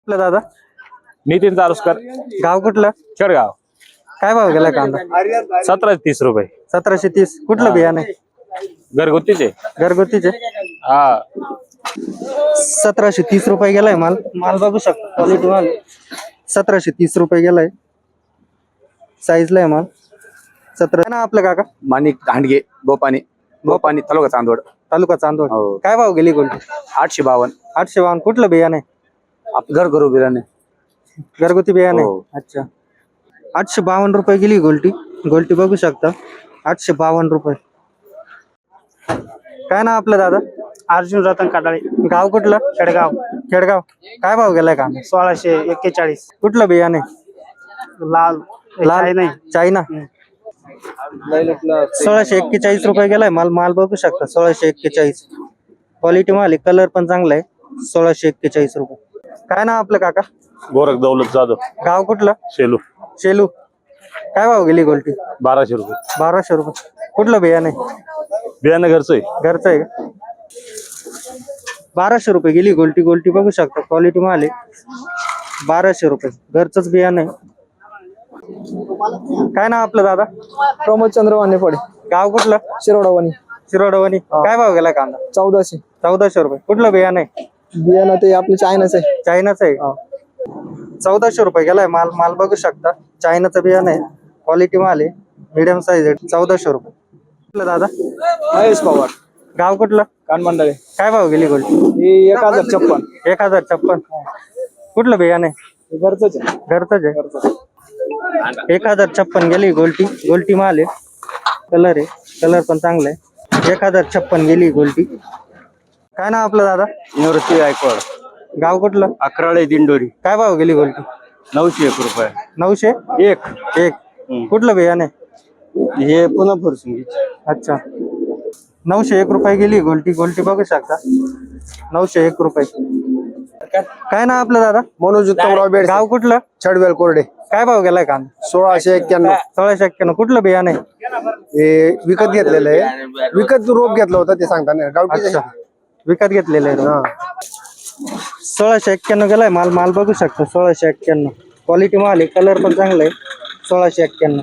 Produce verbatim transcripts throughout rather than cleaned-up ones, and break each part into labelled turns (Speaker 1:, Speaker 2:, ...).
Speaker 1: आपलं दादा
Speaker 2: नितीन तारुसकर,
Speaker 1: गाव कुठलं?
Speaker 2: खेडगाव.
Speaker 1: काय भाव गेला कांदा?
Speaker 2: सतराशे तीस रुपये.
Speaker 1: सतराशे तीस. कुठलं बियाणे?
Speaker 2: घरगुतीचे.
Speaker 1: घरगुतीचे.
Speaker 2: हा
Speaker 1: सतराशे तीस रुपये गेलाय माल. माल बघू शकता, क्वालिटी माल. सतराशे तीस रुपये गेलाय. साईजला आहे माल. सतरा ना आपलं काका.
Speaker 3: माणिक दांडगे, बोपानी बोपानी तालुका चांदवड.
Speaker 1: तालुका चांदवड.
Speaker 3: हो.
Speaker 1: काय भाव गेली गोल्ड?
Speaker 3: आठशे बावन्न.
Speaker 1: आठशे बावन्न. कुठलं बियाणे?
Speaker 3: आप घर करू बिराने.
Speaker 1: घरगुती बियाणे.
Speaker 3: हो.
Speaker 1: अच्छा. आठशे बावन्न रुपये गेली गोल्टी. गोल्टी बघू शकता, आठशे बावन्न रुपये. काय ना आपलं दादा?
Speaker 4: अर्जुन रतन काटाळे,
Speaker 1: गाव कुठलं?
Speaker 4: खेडगाव.
Speaker 1: खेडगाव. काय भाव गेलाय कांदा?
Speaker 4: सोळाशे एक्केचाळीस.
Speaker 1: कुठलं बियाणे?
Speaker 4: लाल
Speaker 1: लाल
Speaker 4: नाही.
Speaker 1: चायना. सोळाशे एक्केचाळीस रुपये गेलाय माल. माल बघू शकता, सोळाशे एक्केचाळीस. क्वालिटी माल आहे, कलर पण चांगला आहे. सोळाशे एक्केचाळीस रुपये. काय ना आपलं काका?
Speaker 2: गोरख दौलत जाधव,
Speaker 1: गाव कुठलं?
Speaker 2: शेलू.
Speaker 1: शेलू. काय भाव गेली गोल्टी?
Speaker 2: बाराशे रुपये.
Speaker 1: बाराशे रुपये. कुठलं बियाणे?
Speaker 2: बियाणं घरचं आहे.
Speaker 1: घरचं आहे का? बाराशे रुपये गेली गोल्टी. गोल्टी बघू शकता, क्वालिटी माल आहे. बाराशे रुपये. घरचंच बियाणं आहे. काय ना आपलं दादा?
Speaker 4: प्रमोद चंद्रवाने पडे,
Speaker 1: गाव कुठलं?
Speaker 4: शिरोडावानी.
Speaker 1: शिरोडवणी. काय भाव गेला कांदा?
Speaker 4: चौदाशे.
Speaker 1: चौदाशे रुपये. कुठलं बियाणं आहे?
Speaker 4: बियाणं ते आपलं चायनाच आहे.
Speaker 1: चायनाचं आहे. चौदाशे रुपये गेलाय माल. माल बघू शकता, चायनाचं बियाणं आहे. क्वालिटी माल आहे, मिडियम साईज आहे. चौदाशे रुपये. कुठलं दादा?
Speaker 4: महेश पवार,
Speaker 1: गाव कुठलं?
Speaker 4: कानमंडळे.
Speaker 1: काय भाव गेली गोल्टी?
Speaker 4: ही एक हजार छप्पन.
Speaker 1: एक हजार छप्पन. कुठलं बियाणं आहे?
Speaker 4: घरचंच आहे.
Speaker 1: घरचंच आहे. एक हजार छप्पन गेली गोल्टी. गोल्टी माल आहे, कलर आहे, कलर पण चांगला आहे. एक हजार छप्पन गेली गोल्टी. काय ना आपलं दादा?
Speaker 3: निवृत्ती गायकवाड,
Speaker 1: गाव कुठलं?
Speaker 3: अकराळे दिंडोरी.
Speaker 1: काय भाव गेली गोल्टी?
Speaker 3: नऊशे एक रुपये.
Speaker 1: नऊशे
Speaker 3: एक.
Speaker 1: एक. कुठलं बियाणे?
Speaker 3: हे पुन्हा फुरसून.
Speaker 1: अच्छा. नऊशे एक रुपये गेली गोल्टी. गोल्टी बघू शकता, नऊशे एक रुपये. काय ना आपलं दादा?
Speaker 4: मनोज उत्तमराव बेड,
Speaker 1: गाव कुठलं?
Speaker 4: छडवेल कोरडे.
Speaker 1: काय भाव गेलाय कांदा?
Speaker 4: सोळाशे एक्क्याण्णव.
Speaker 1: सोळाशे एक्क्याण्णव. कुठलं बियाणे?
Speaker 4: हे विकत घेतलेलं आहे. विकत रोप घेतलं होतं ते सांगताना गावठी.
Speaker 1: अच्छा, विकत घेतलेलं आहे. सोळाशे एक्क्याण्णव गेलाय माल. माल बघू शकता, सोळाशे एक्क्याण्णव. क्वालिटी माल आहे, कलर पण चांगला आहे. सोळाशे एक्क्याण्णव.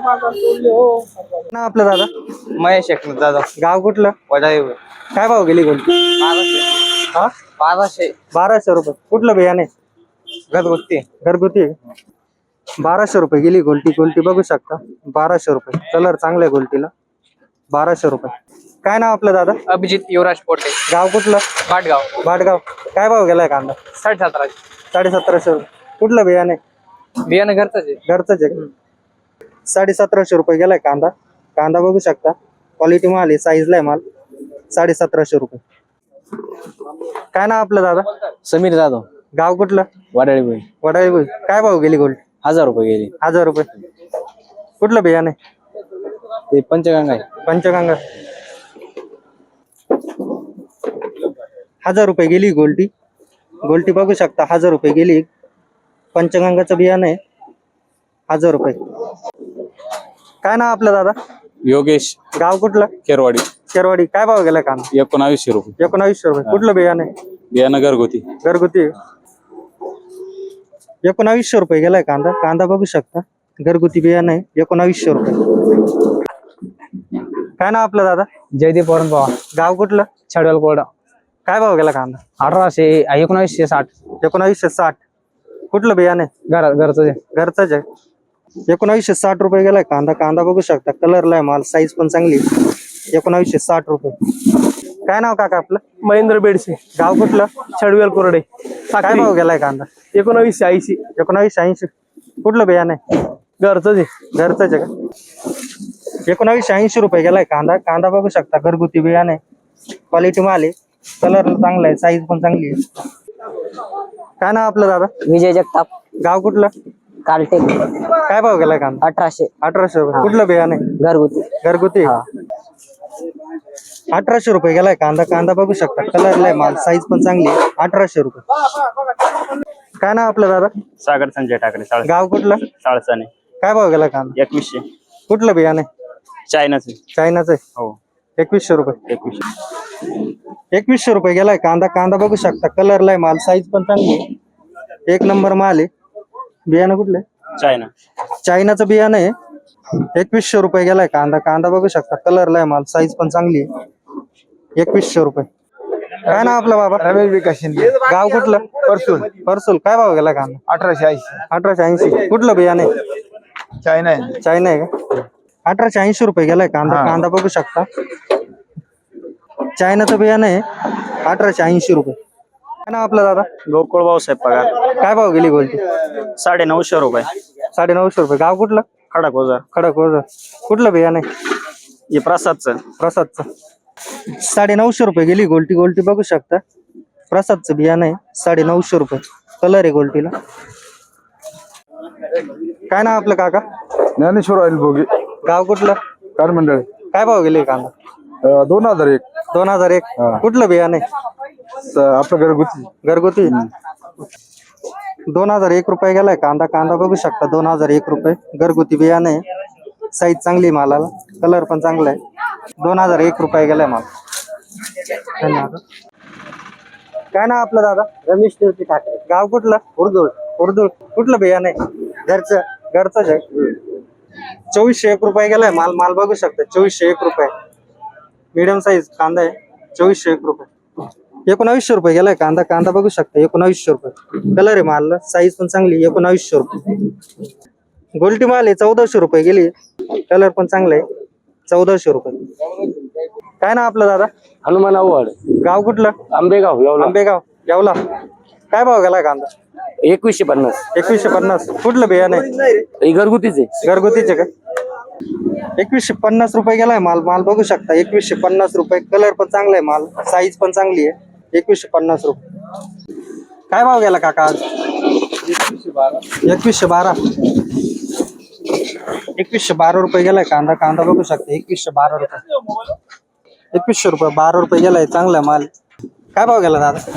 Speaker 1: ना आपलं दादा?
Speaker 3: महेश एकनाथ दादा,
Speaker 1: गाव कुठलं?
Speaker 3: वडाई.
Speaker 1: काय भाव गेली गोल्टी? हा,
Speaker 3: बाराशे.
Speaker 1: बाराशे रुपये. कुठलं बियाणे?
Speaker 3: घरगुती.
Speaker 1: घरगुती आहे. बाराशे रुपये गेली गोल्टी. गोल्टी बघू शकता, बाराशे रुपये. कलर चांगला आहे गोल्टीला. बाराशे रुपये. काय नाव आपलं दादा?
Speaker 3: अभिजित युवराज पोटे,
Speaker 1: गाव कुठलं?
Speaker 3: भाटगाव.
Speaker 1: भाटगाव. काय भाव गेलाय कांदा?
Speaker 3: साडे सतराशे.
Speaker 1: साडे सतराशे रुपये. कुठलं बियाणे?
Speaker 3: बियाणं घरचंच आहे.
Speaker 1: घरचंच आहे. साडे सतराशे रुपये गेलाय कांदा. कांदा बघू शकता, क्वालिटी माल आहे, साईजला आहे माल. साडे सतराशे रुपये. काय नाव आपलं दादा?
Speaker 3: समीर जाधव,
Speaker 1: गाव कुठलं?
Speaker 3: वडाळी.
Speaker 1: वडाळी. काय भाव गेली गोल्ड?
Speaker 3: हजार रुपये गेली.
Speaker 1: हजार रुपये. कुठलं बियाणे?
Speaker 3: ते पंचगंगा आहे.
Speaker 1: पंचगंगा. हजार रुपये गेली गोल्टी. गोल्टी बघू शकता, हजार रुपये गेली. पंचगंगाचं बियाणं आहे, हजार रुपये. काय नाव आपलं दादा?
Speaker 2: योगेश,
Speaker 1: गाव कुठलं?
Speaker 2: केरवाडी.
Speaker 1: शेरवाडी. काय भाव गेला कांदा?
Speaker 2: एकोणावीसशे रुपये.
Speaker 1: एकोणावीसशे रुपये. कुठलं बियाणं आहे?
Speaker 2: बियाणं घरगुती.
Speaker 1: घरगुती. एकोणावीसशे रुपये गेलाय कांदा. कांदा बघू शकता, घरगुती बियाणं आहे, एकोणावीसशे रुपये. काय नाव आपलं दादा?
Speaker 3: जयदीप वरण पवार,
Speaker 1: गाव कुठलं?
Speaker 3: छडवेल कोरडा.
Speaker 1: काय भाव गेला कांदा?
Speaker 3: अठराशे एकोणावीसशे साठ.
Speaker 1: एकोणावीसशे साठ. कुठलं बियाणं आहे?
Speaker 3: घर घरचं
Speaker 1: घरचंच आहे. एकोणावीसशे साठ रुपये गेलाय कांदा. कांदा बघू शकता, कलरला आहे माल, साईज पण चांगली. एकोणावीसशे साठ रुपये. काय नाव काका आपलं?
Speaker 4: महेंद्र बेडसे,
Speaker 1: गाव कुठलं?
Speaker 4: छडवेल कोरडे.
Speaker 1: काय भाव गेलाय कांदा?
Speaker 4: एकोणावीसशे ऐंशी.
Speaker 1: एकोणावीसशे ऐंशी. कुठलं बियाणं आहे?
Speaker 4: घरचंच आहे.
Speaker 1: घरचंच आहे का? एकोणावीसशे ऐंशी रुपये गेलाय कांदा. कांदा बघू शकता, घरगुती बियाणं आहे, क्वालिटी माल आहे, कलर चांगला आहे, साईज पण चांगली आहे. काय नाव आपलं दादा?
Speaker 3: विजय जगताप,
Speaker 1: गाव कुठलं?
Speaker 3: कालटेक.
Speaker 1: काय भाव गेलाय कांदा?
Speaker 3: अठराशे.
Speaker 1: अठराशे रुपये. कुठलं बियाणं आहे?
Speaker 3: घरगुती.
Speaker 1: घरगुती. अठराशे रुपये गेलाय कांदा. कांदा बघू शकता, कलरला आहे माल, साईज पण चांगली आहे. अठराशे रुपये. काय नाव आपलं दादा?
Speaker 2: सागर संजय ठाकरे,
Speaker 1: गाव कुठलं?
Speaker 2: साळसाने.
Speaker 1: काय भाव गेला कांदा?
Speaker 2: एकवीसशे.
Speaker 1: कुठलं बियाणं आहे?
Speaker 2: चायनाचे.
Speaker 1: चायनाचं आहे.
Speaker 2: हो.
Speaker 1: एकवीसशे रुपये.
Speaker 2: एकवीसशे.
Speaker 1: एकवीसशे रुपये गेलाय कांदा. कांदा बघू शकता, कलरला आहे माल, साईज पण चांगली आहे. एक नंबर माल आहे. बियाणं कुठलं
Speaker 2: चायना.
Speaker 1: चायनाचं बियाणं आहे. एकवीसशे रुपये गेलाय कांदा. कांदा बघू शकता कलरला आहे माल, साईज पण चांगली आहे. एकवीसशे रुपये. काय नाव आपलं बाबा?
Speaker 4: रमेश विकास शिंदे,
Speaker 1: गाव कुठलं?
Speaker 4: परसून.
Speaker 1: परसूल. काय भाव गेला कांदा?
Speaker 4: अठराशे ऐंशी.
Speaker 1: अठराशे ऐंशी. कुठलं बियाणं आहे?
Speaker 4: चायना आहे.
Speaker 1: चायना आहे का? अठराशे ऐंशी रुपये गेलाय कांदा. कांदा बघू शकता चायनाचं बियाणं आहे. अठराशे ऐंशी रुपये. काय नाव आपलं दादा?
Speaker 2: गोकुळ भाऊसाहेब पगार.
Speaker 1: काय भाव गेली गोल्टी?
Speaker 2: साडे नऊशे रुपये.
Speaker 1: साडे नऊशे रुपये. गाव कुठलं?
Speaker 2: खडक ओझर.
Speaker 1: खडक ओझर. कुठलं बियाणं आहे?
Speaker 2: हे प्रसादचं.
Speaker 1: प्रसादचं. साडे नऊशे रुपये गेली गोल्टी. गोल्टी बघू शकता प्रसादचं बियाणं आहे. साडे नऊशे रुपये. कलर आहे गोल्टीला. काय नाव आपलं काका?
Speaker 4: ज्ञानेश्वर ऑइल भोगी,
Speaker 1: गाव कुठलं?
Speaker 4: कार मंडळ.
Speaker 1: काय भाव गेले कांदा?
Speaker 4: दोन हजार एक.
Speaker 1: दोन हजार एक. कुठलं बियाणं आहे?
Speaker 4: आपलं घरगुती.
Speaker 1: घरगुती. दोन हजार एक रुपये गेलाय कांदा. कांदा बघू शकता दोन हजार एक रुपये. घरगुती बियाणं आहे. साईज चांगली मालाला. कलर पण चांगला आहे. दोन हजार एक रुपये गेलाय माल. धन्यवाद. काय नाव आपलं दादा?
Speaker 5: रमेश टिळके ठाकरे.
Speaker 1: गाव कुठलं?
Speaker 5: उर्दूळ.
Speaker 1: उर्दूळ. कुठलं बियाणं आहे?
Speaker 5: घरचं.
Speaker 1: घरचंच आहे. चोवीसशे एक रुपये गेलाय माल. माल बघू शकता चोवीसशे एक रुपये. मीडियम साईज कांदा आहे. चोवीसशे एक रुपये. एकोणावीसशे रुपये गेलाय कांदा. कांदा बघू शकता एकोणावीसशे रुपये. कलर आहे माल, साईज पण चांगली. एकोणावीसशे रुपये. गोल्टी माल आहे. चौदाशे रुपये गेली. कलर पण चांगला आहे. चौदाशे रुपये. काय ना आपलं दादा?
Speaker 5: हनुमान आव्हाड.
Speaker 1: गाव कुठलं?
Speaker 5: आंबेगाव. येवला.
Speaker 1: आंबेगाव. येवला. काय भाव गेलाय कांदा?
Speaker 5: एकवीसशे पन्नास.
Speaker 1: एकवीसशे पन्नास. कुठलं बियाणं आहे?
Speaker 5: हे घरगुतीच आहे.
Speaker 1: घरगुतीचे का? एकवीसशे पन्नास रुपये गेलाय माल. माल बघू शकता एकवीसशे पन्नास रुपये. कलर पण चांगला आहे माल, साईज पण चांगली आहे. एकवीसशे पन्नास रुपये. काय भाव गेला काका आज? एकवीसशे बारा. एकवीसशे बारा रुपये गेलाय कांदा. कांदा बघू शकता एकवीसशे बारा रुपये. एकवीसशे रुपये. बारा रुपये गेलाय. चांगला माल. काय भाव गेला दादा?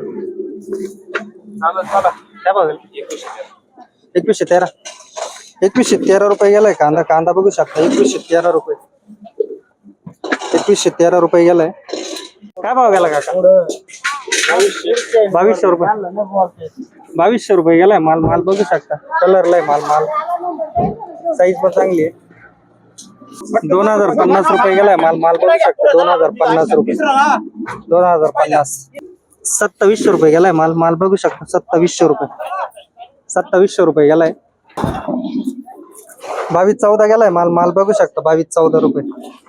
Speaker 1: काय भाव गेला? एकवीसशे तेरा. एकवीसशे तेरा रुपये गेलाय कांदा. कांदा बघू शकता एकवीसशे तेरा रुपये. एकवीसशे तेरा रुपये गेलाय. काय भाव गेला काका? बावीसशे रुपये. बावीसशे रुपये गेलाय माल. माल बघू शकता कलरला आहे माल. माल साईज पण चांगली आहे. दोन हजार पन्नास रुपये गेलाय माल. माल बघू शकता दोन हजार पन्नास रुपये. दोन हजार पन्नास. सत्तावीसशे रुपये गेलाय माल. माल बघू शकता सत्तावीसशे रुपये. सत्तावीसशे रुपये गेलाय. बावीस चौदा गेलाय माल. माल बघू शकता बावीस चौदा रुपये.